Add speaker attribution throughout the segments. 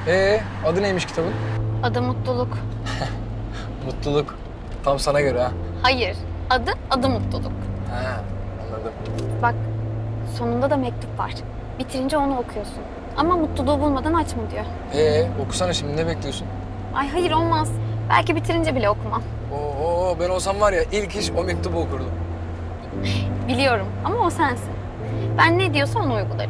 Speaker 1: Adı neymiş kitabın?
Speaker 2: Adı Mutluluk.
Speaker 1: Mutluluk. Tam sana göre ha.
Speaker 2: Hayır, adı Mutluluk.
Speaker 1: Ha, anladım.
Speaker 2: Bak, sonunda da mektup var. Bitirince onu okuyorsun. Ama mutluluğu bulmadan açma diyor.
Speaker 1: Okusana şimdi, ne bekliyorsun?
Speaker 2: Ay hayır, olmaz. Belki bitirince bile okumam.
Speaker 1: Ben olsam var ya ilk iş o mektubu okurdum.
Speaker 2: Biliyorum ama o sensin. Ben ne diyorsa onu uygularım.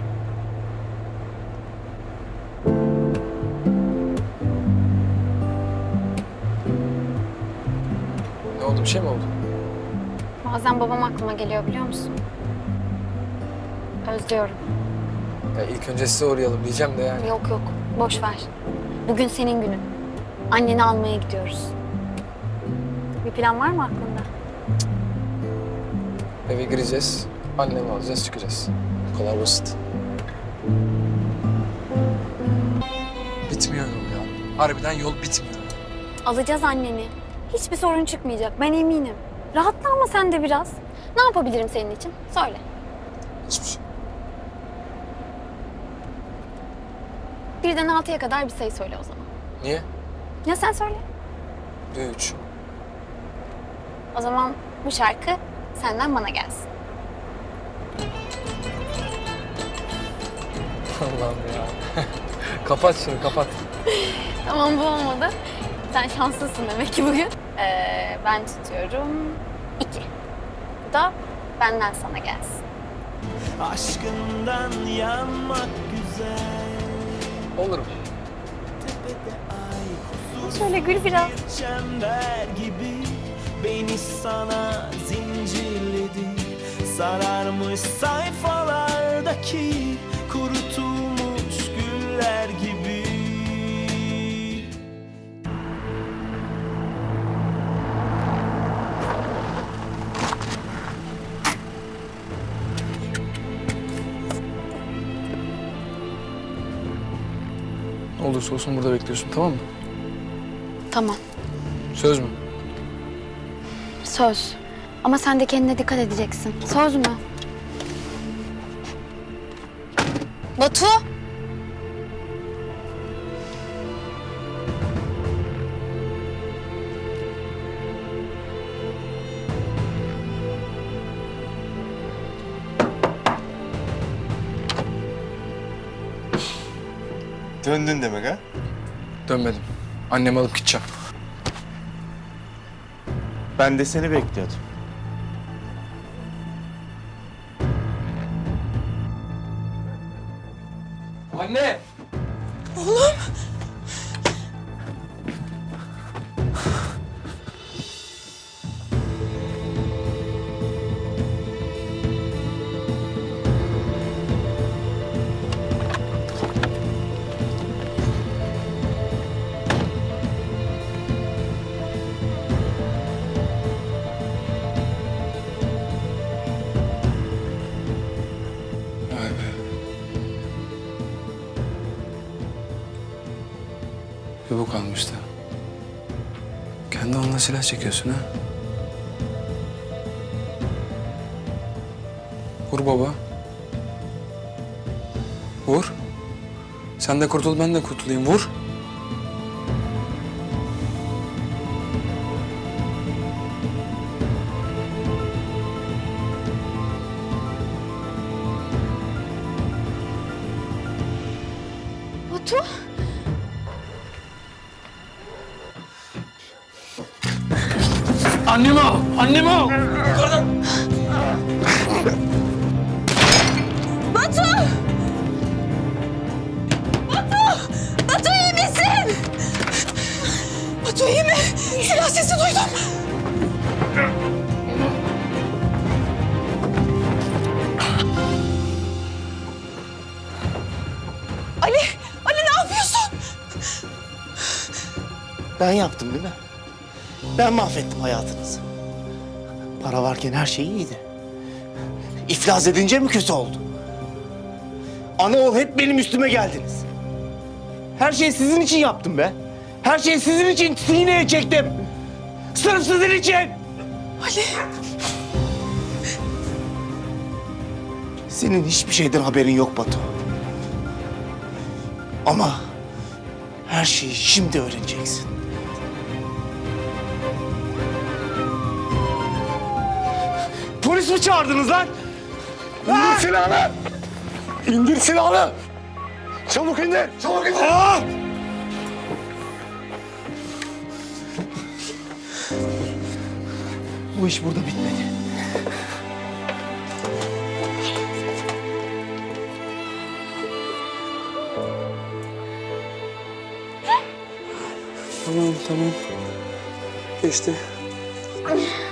Speaker 1: Ne oldu, bir şey mi oldu?
Speaker 2: Bazen babam aklıma geliyor, biliyor musun? Özlüyorum.
Speaker 1: Ya ilk önce size uğrayalım diyeceğim de yani.
Speaker 2: Yok yok, boş ver. Bugün senin günün. Anneni almaya gidiyoruz. Bir plan var mı aklında?
Speaker 1: Eve gireceğiz, annemi alacağız, çıkacağız. Bu kadar basit. Bitmiyor yol ya. Harbiden yol bitmiyor.
Speaker 2: Alacağız anneni. Hiçbir sorun çıkmayacak, ben eminim. Rahatla ama sen de biraz. Ne yapabilirim senin için? Söyle.
Speaker 1: Hiçbir şey.
Speaker 2: Birden 6'ya kadar bir sayı söyle o zaman.
Speaker 1: Niye?
Speaker 2: Ya sen söyle.
Speaker 1: 3.
Speaker 2: O zaman bu şarkı senden bana gelsin.
Speaker 1: Allah'ım ya. Kapat şunu, kapat.
Speaker 2: Tamam, bu olmadı. Sen şanslısın demek ki bugün. Ben tutuyorum 2. Bu da benden sana gelsin.
Speaker 3: Aşkından yanmak güzel.
Speaker 1: Olur mu?
Speaker 3: Tepede ay kusur
Speaker 2: Şöyle gül biraz.
Speaker 3: bir çember gibi beni sana zincirledi. Sararmış sayfalardaki kurutulmuş güller gibi.
Speaker 1: Ne olursa olsun burada bekliyorsun, tamam mı?
Speaker 2: Tamam,
Speaker 1: Söz mü?
Speaker 2: söz. Ama sen de kendine dikkat edeceksin. Söz mü? Batu!
Speaker 4: Döndün demek ha?
Speaker 1: Dönmedim. Annemi alıp gideceğim.
Speaker 4: Ben de seni bekliyordum.
Speaker 1: Anne! Vay be. Bir bu kalmıştı. Kendi onunla silah çekiyorsun ha? Vur baba. Vur. Sen de kurtul, ben de kurtulayım. Vur.
Speaker 2: Batu!
Speaker 1: Annemi al! Annemi al!
Speaker 2: Batu! Batu! Batu, iyi misin? Batu iyi mi? Silah sesi duydum. Ali ne yapıyorsun?
Speaker 4: Ben yaptım değil mi? Ben mahvettim hayatınızı. Para varken her şey iyiydi. İflas edince mi kötü oldu? Ana oğul hep benim üstüme geldiniz. Her şeyi sizin için yaptım be. Her şeyi sizin için sineye çektim. Sırf sizin için.
Speaker 2: Ali!
Speaker 4: Senin hiçbir şeyden haberin yok Batu. Her şeyi şimdi öğreneceksin. Polis mi çağırdınız lan?
Speaker 1: İndir silahını! İndir silahını! Çabuk indir! Çabuk indir!
Speaker 4: Bu iş burada bitmedi.
Speaker 1: Tamam. Geçti.